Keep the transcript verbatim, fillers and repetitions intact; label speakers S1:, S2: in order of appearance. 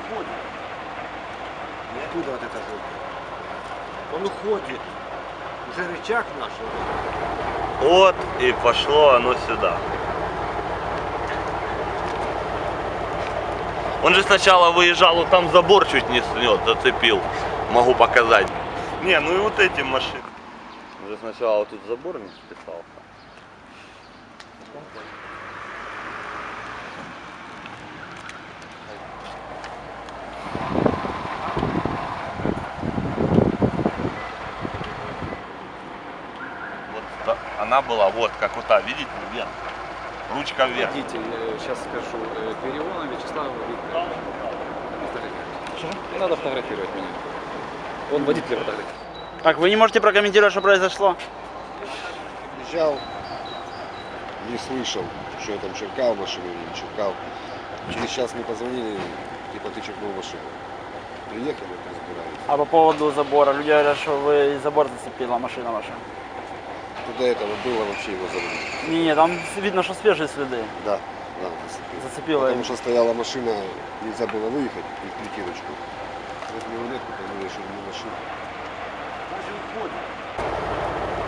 S1: уходит. И оттуда вот это желтое. Он уходит. Уже рычаг наш.
S2: Вот и пошло оно сюда. Он же сначала выезжал, вот там забор чуть не снес, зацепил. Могу показать. Не, ну и вот эти машины. Он же сначала вот тут забор не списался. Вот она была вот как вот та, видите, вверх. Ручка вверх.
S3: Водитель, сейчас скажу, Переона Вячеслав Викторович. Не надо фотографировать меня. Он водитель фотографирует.
S4: Так, вы не можете прокомментировать, что произошло?
S5: Приезжал, не слышал, что я там черкал машину или не черкал. Через час мне позвонили, типа ты черкнул машину. Приехали, разбирались.
S4: А по поводу забора, люди говорят, что вы забор зацепила машина ваша.
S5: До этого было вообще его забрали.
S4: Не, не, там видно, что свежие следы.
S5: Да, да, зацепил.
S4: Зацепила.
S5: Потому что стояла машина, нельзя было выехать в притирочку. Вот мне рулетку поняли, что не машина.
S1: Даже уходит.